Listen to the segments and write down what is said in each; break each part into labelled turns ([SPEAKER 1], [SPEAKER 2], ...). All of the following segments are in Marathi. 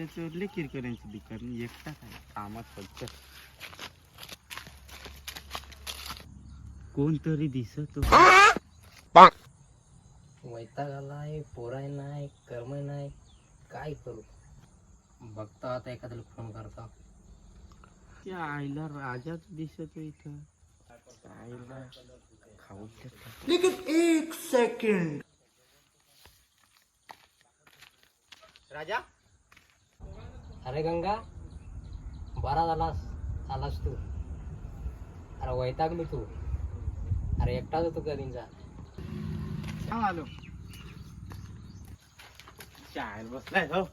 [SPEAKER 1] ते चोरले किरकिरांची दुकान एकटा काय कामात फक्त कोणतरी दिसत
[SPEAKER 2] वैताग आलाय, पोराय नाही, कर्म नाही, काय करू. बघतो आता एखाद्याला फोन करता.
[SPEAKER 1] त्या आईला राजाच दिसतो इथं. आईला खाऊ लेकिन एक सेकंड. राजा,
[SPEAKER 2] अरे गंगा, बरा झालास आलास तू. अरे वैतागली तू. अरे एकटाच होतो कधीचा.
[SPEAKER 1] सांग आलो. चाय बसलाय हो.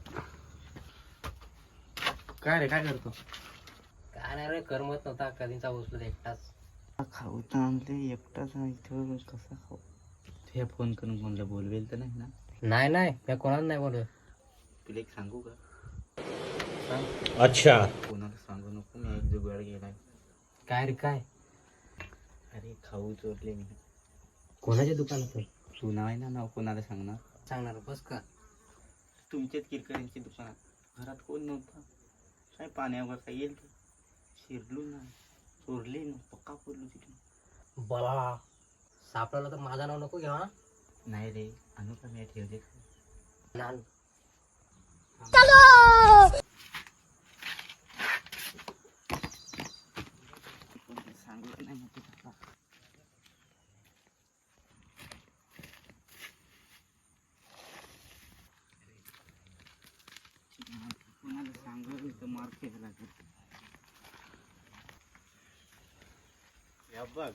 [SPEAKER 1] काय रे, काय करतो?
[SPEAKER 2] काय नाही रे, करमत नव्हता कधीचा बसलो एकटाच.
[SPEAKER 1] खाऊ तर आणले एकटाच इथं, कसा खाऊ? तुझ्या फोन करून कोणाला बोलवेल तर नाही ना?
[SPEAKER 2] नाही नाही, मी कोणाला नाही बोलत.
[SPEAKER 1] तुला एक सांगू का?
[SPEAKER 2] सांग.
[SPEAKER 3] अच्छा.
[SPEAKER 1] कोणाला सांगू नको, मी एक जुगाड गेलाय.
[SPEAKER 2] काय रे काय?
[SPEAKER 1] अरे खाऊ चोरले मी.
[SPEAKER 2] कोणाच्या दुकानात?
[SPEAKER 1] तू नाही ना नाव कोणाला सांगणार?
[SPEAKER 2] सांगणार बस का?
[SPEAKER 1] तुमच्याच किरकिरांची दुकानात. घरात कोण नव्हता. काय पाण्यावर काय येईल ते शिरलो ना, चोरले ना, पक्का पडलो तिथून.
[SPEAKER 2] बला सापडला तर माझा नाव नको घ्या.
[SPEAKER 1] नाही रे, आणू का मी ठेवले. सांगलं नाही मग तुला. कोणाला सांगलं तर मार खायला लागेल. या बघ,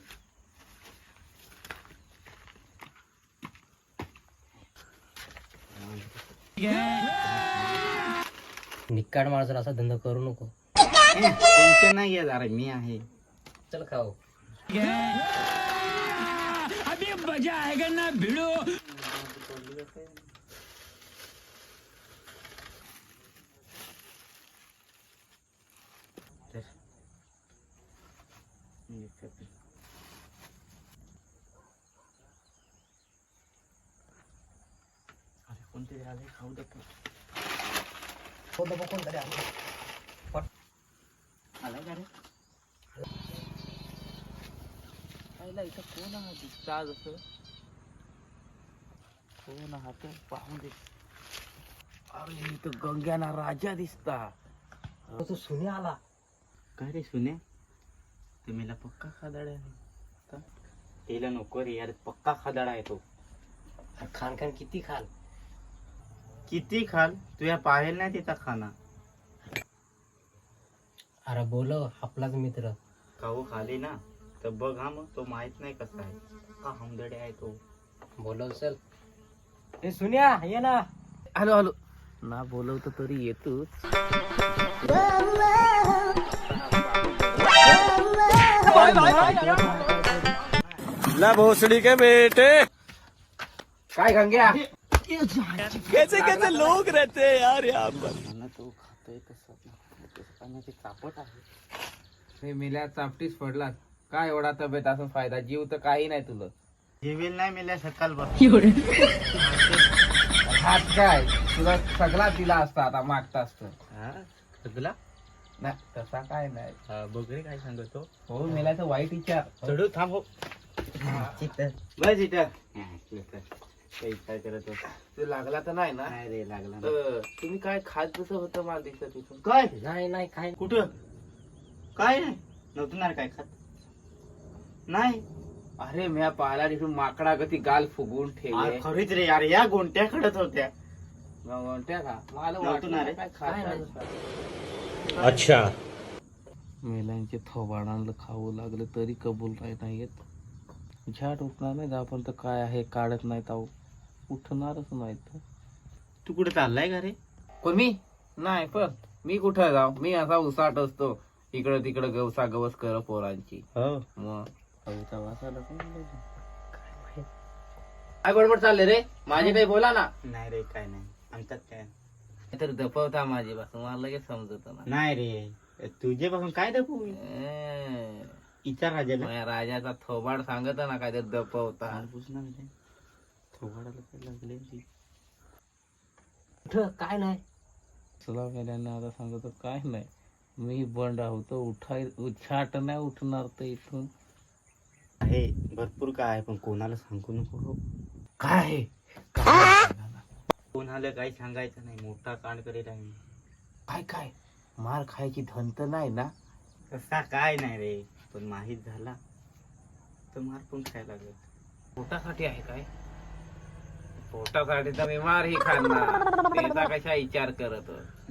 [SPEAKER 2] निकाड माणसाला असा धंदा करू नको.
[SPEAKER 1] टेन्शन नाही घ्या, अरे मी आहे.
[SPEAKER 2] चल खाऊ.
[SPEAKER 3] अभी मजा आएगा ना भिड़ो.
[SPEAKER 1] अरे कोणतरी आले, खाऊ दे.
[SPEAKER 2] कोणतरी
[SPEAKER 1] आलाय का रे? आईला इथं कोण हा दिसता जसं? कोण हा तो पाहून दे. अरे इथं गंग्याना राजा दिसता.
[SPEAKER 2] तू सुने आला.
[SPEAKER 1] काय रे सुने? तुम्हीला पक्का खादाड आहे. तिला नको रे यार, पक्का खादाड आहे तो.
[SPEAKER 2] खान खान किती खाल?
[SPEAKER 1] किती खाल? तुझ्या पाहेल नाही तिचा खाना.
[SPEAKER 2] अरे बोलो आपलाच मित्र.
[SPEAKER 1] खाऊ खाली ना तर बघ हा, मग तो माहित नाही कसा आहे. का हमदडे आहे तो.
[SPEAKER 2] बोलव चल. हे सुन्या ये ना.
[SPEAKER 1] हॅलो हॅलो ना, बोलवतो तरी येतोच.
[SPEAKER 3] ला भोसड़ी के बेटे.
[SPEAKER 2] काय गंग्या?
[SPEAKER 3] कैसे कैसे लोग रहते हैं यार यहाँ पर.
[SPEAKER 1] मला तो खातोय तसं ते चापट आहे.
[SPEAKER 4] हे मिल्या चापटीस पडला. काय एवढा तब्येत असून फायदा? जीव तर काही नाही तुला.
[SPEAKER 1] जेवेल नाही मिळाल्या सकाळ बघ.
[SPEAKER 4] हात काय तुला सगळा दिला असता, आता मागता असतं.
[SPEAKER 1] तुला
[SPEAKER 4] नाही तसा काय नाही.
[SPEAKER 1] बघ रे काय सांगतो.
[SPEAKER 4] हो मेल्याचं वाईट विचार.
[SPEAKER 1] चढू थांब हो. बस इथं. काही काय करत होता?
[SPEAKER 4] ते लागला तर नाही ना?
[SPEAKER 1] नाही रे, लागला नाही.
[SPEAKER 4] तुम्ही काय खात कसं होतं मला दिसत तिथून.
[SPEAKER 1] काय
[SPEAKER 2] नाही नाही काय
[SPEAKER 1] कुठं? काय नाही नव्हतं ना रे काय खात. नाही
[SPEAKER 4] अरे म्या पाहिला तिथून माकडा गती गाल फुगून ठेवले.
[SPEAKER 1] खरीच रे यार, या गोंट्या खडत होत्या.
[SPEAKER 4] म्हणत्या का मला
[SPEAKER 1] नव्हतं ना रे.
[SPEAKER 4] काय खात.
[SPEAKER 3] अच्छा.
[SPEAKER 4] मेल्यांचे थोबाडांना खाऊ लागलं तरी कबूल नाही येत. झाट उठणार नाही आपण तर काय आहे काढत नाही ताऊ. उठणारच नाही तर.
[SPEAKER 1] तू कुठे चाललाय का रे?
[SPEAKER 4] कोण मी? नाही पण मी कुठं जाऊ. मी असा उसाट असतो इकडं तिकडं गवसा गवस कर पोरांची.
[SPEAKER 1] हो.
[SPEAKER 4] मग
[SPEAKER 1] कविता वाचायला कोण बोलायचं?
[SPEAKER 4] काय बडबड चालले रे? माझे काही बोला ना.
[SPEAKER 1] नाही रे, काय नाही आमच्यात काय
[SPEAKER 4] तर दपवता माझी पासून मला लगेच समजत ना.
[SPEAKER 1] नाही रे. तुझे पासून काय दाखवू? इचार राजाला.
[SPEAKER 4] माझ्या राजाचा थोबाड सांगत ना काय तर दपवता.
[SPEAKER 1] थोबाडाला काय लागले?
[SPEAKER 2] कुठं काय नाही.
[SPEAKER 4] चला मेल्याने आता सांगतो काय नाही, मी बंड आहोत, छाट नाही उठणार तर इथून.
[SPEAKER 1] आहे भरपूर काय आहे, पण कोणाला सांगू नको हो.
[SPEAKER 4] काय आहे? काय
[SPEAKER 1] कोणाला काही सांगायचं नाही, मोठा कांड करेल आहे मी.
[SPEAKER 4] काय काय मार खायची धंत नाही ना?
[SPEAKER 1] तसा काय नाही रे, पण माहीत झाला तर मार पण खायला लागेल.
[SPEAKER 4] पोटासाठी आहे काय? पोटासाठी तर मी मारही खाणार, त्याचा कशा विचार करत.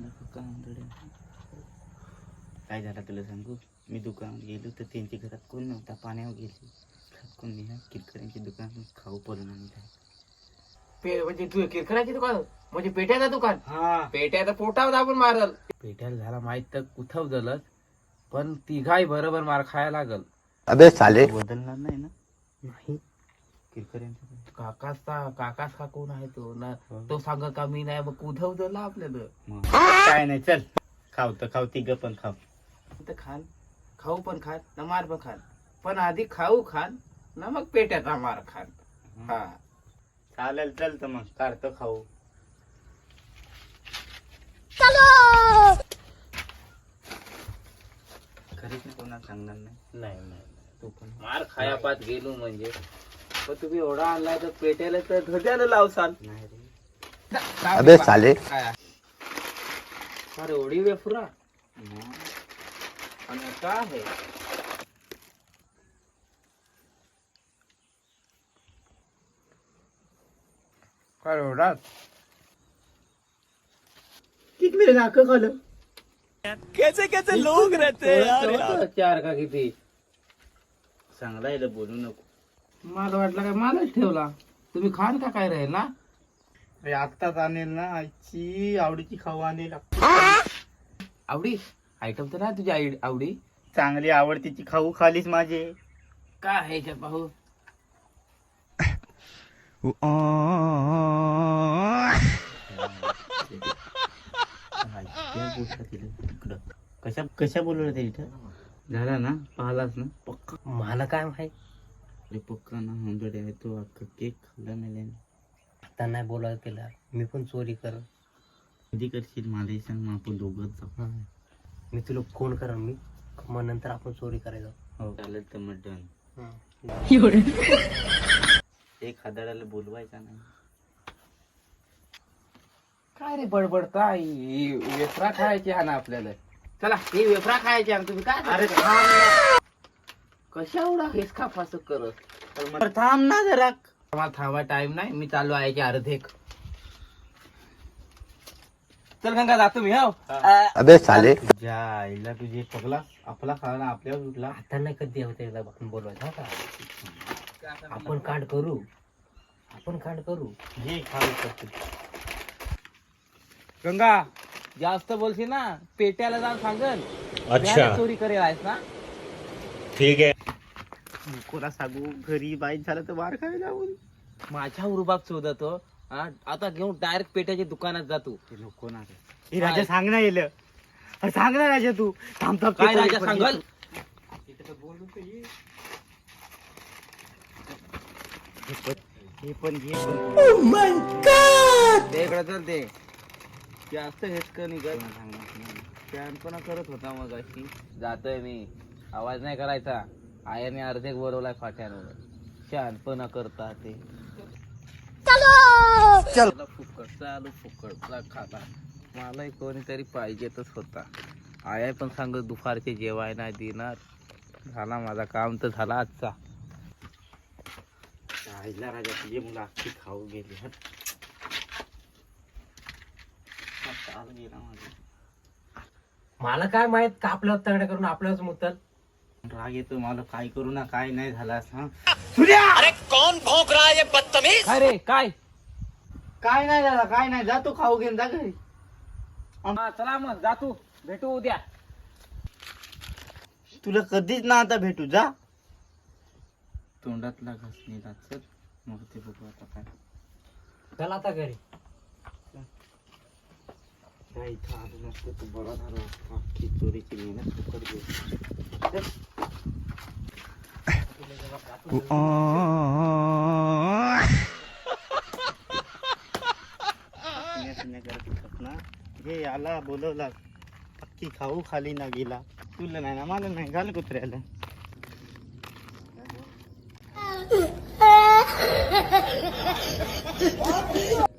[SPEAKER 1] काय झालं तुला सांगू, मी दुकानात गेलो तर त्यांच्या घरात कोण नव्हता, पाण्यावर गेली. घरात कोण नाही, किरकऱ्यांचे दुकान खाऊ पडून आणि काय.
[SPEAKER 2] म्हणजे तू किरकराची दुकान म्हणजे पेट्याचं दुकान?
[SPEAKER 1] हा
[SPEAKER 2] पेट्याचं पोटावर आपण मारल.
[SPEAKER 4] पेट्याला झाला माहित तर कुठं झालं, पण तिघाही बरोबर मार खायला लागल.
[SPEAKER 3] अबे साले
[SPEAKER 1] बदलणार नाही ना
[SPEAKER 4] नाही
[SPEAKER 1] किरकऱ्यांचं.
[SPEAKER 4] काकाच का कोण आहे तो ना? तो सांग का मी नाही, मग उधव झाला आपल्याला.
[SPEAKER 1] मग काय नाही, चल खाऊ तर खाऊ, तिघ पण खाऊ.
[SPEAKER 2] खान खाऊ पण खान ना मार पण खान, पण आधी खाऊ खान ना मग पेट्याचा मार खान. हा
[SPEAKER 1] चालेल, चल तर मग काढतो खाऊ. खरीच नाही कोणाला सांगणार नाही.
[SPEAKER 4] नाही
[SPEAKER 1] तू पण
[SPEAKER 4] मार खाया पात गेलो म्हणजे, पण तुम्ही एवढा आणलाय तर पेट्याला तर धद्याला लावसाल.
[SPEAKER 1] नाही रे.
[SPEAKER 3] अबे साले
[SPEAKER 4] अरे एवढी वेफुरा
[SPEAKER 1] मग
[SPEAKER 4] आणि काय आहे?
[SPEAKER 2] काय एवढाच
[SPEAKER 1] किती मेरे नाक खाल्लं.
[SPEAKER 3] कैसे कैसे लोग रहते हैं यार यहाँ?
[SPEAKER 4] चार का किती?
[SPEAKER 1] चांगला याला बोलू नको.
[SPEAKER 2] मला वाटलं काय मलाच ठेवला. तुम्ही खान का काय राहील ना?
[SPEAKER 1] अरे आत्ताच आणेल ना, आईची आवडीची खाऊ आणेल.
[SPEAKER 2] आवडी आयटम तर नाही तुझ्या आवडी?
[SPEAKER 1] चांगली आवडतीची खाऊ खालीच माझे.
[SPEAKER 2] काय आहे याच्यात पाहू?
[SPEAKER 1] कशा कशा बोलवलं ते इथं? झाला ना, पाहिलास ना पक्का.
[SPEAKER 2] मला काय माहित.
[SPEAKER 1] अरे पक्का ना, हंड्रेड आहे तो. अख्खा केक खाल्ला मेल्याने.
[SPEAKER 2] आता नाही बोलायला केला, मी पण चोरी कर.
[SPEAKER 1] कधी करशील मलाही सांग, मग आपण दोघंच जाऊ.
[SPEAKER 2] मी तुला फोन करेन, मी मग नंतर आपण चोरी करायला.
[SPEAKER 1] हो चालेल तर मग डन. एक हजाराला बोलवायचा नाही.
[SPEAKER 2] काय रे बडबडता? वेफरा खायची हा ना आपल्याला. चला ही वेफरा खायची आणि तुम्ही काय?
[SPEAKER 1] अरे
[SPEAKER 2] कशा एवढा हेसका फासक करत?
[SPEAKER 1] थांब ना जरा.
[SPEAKER 2] मला थांबा टाइम नाही, मी चालू आहे अर्धेक. चल गंगा जातो मी. हो
[SPEAKER 3] अबे साले
[SPEAKER 1] तुझ्या आईला तुझे पगला आपला खाला आपल्यावर उठला.
[SPEAKER 2] आता नाही कधी होते आपण बोलवायचं का? आपण कांड करू, आपण कांड करू.
[SPEAKER 1] हे खाऊ शकतो.
[SPEAKER 4] गंगा जास्त बोलशील ना, पेट्याला जाऊन सांगल. अच्छा चोरी करेल आहेस ना?
[SPEAKER 1] ठीक आहे. कोणा सांगू, घरी बाईक झालं तर मार खायला लावून.
[SPEAKER 4] माझ्या उरुबाग शोधतो. आता घेऊन डायरेक्ट पेट्याच्या दुकानात जातो.
[SPEAKER 1] ते नको ना रे. हे राजा सांग ना येलं. अरे सांग ना राजा तू. थांब थांब.
[SPEAKER 4] काय राजा सांगल?
[SPEAKER 1] हे पण घे पण.
[SPEAKER 4] ते इकडे चल. ते जास्त हेचकं निघत शहाणपणा करत होता मग अशी. जातोय मी, आवाज नाही करायचा. आयाने अर्धेक बोलवलाय फाट्यावर. शहाणपणा करता ते. चल फुकट चालू, फुकटचा खाता. मलाही कोणीतरी पाहिजेतच होता. आया पण सांगत दुपारचे जेवाय नाही देणार. झाला माझा काम तर झाला आजचा.
[SPEAKER 1] आईला राजा तुझे मुलं अख्खी खाऊ गेली.
[SPEAKER 2] मला काय माहित का आपल्यावर तगडा करून आपल्याच मुतल.
[SPEAKER 1] राग येतो मला. काय करू ना, काय नाही झाला.
[SPEAKER 3] अरे कौन भौंक रहा है ये बदतमीज?
[SPEAKER 4] अरे काय
[SPEAKER 1] काय नाही झाला, काय नाही. जातो खाऊ घेऊन जा घरी.
[SPEAKER 4] चला मग जातो, भेटू उद्या.
[SPEAKER 1] तुला कधीच ना आता भेटू. जा तोंडातला घासणी चल. मग ते बघू आता काय.
[SPEAKER 2] चला आता घरी.
[SPEAKER 1] त्या इथं आलो नसतो तर बरा झाला. अख्खी चोरीची मेहनत फुकट गेली. करत होतात ना, हे आला बोलवला अख्खी खाऊ खाली ना गेला. तुला नाही ना मला नाही घाल कुत्र्याला.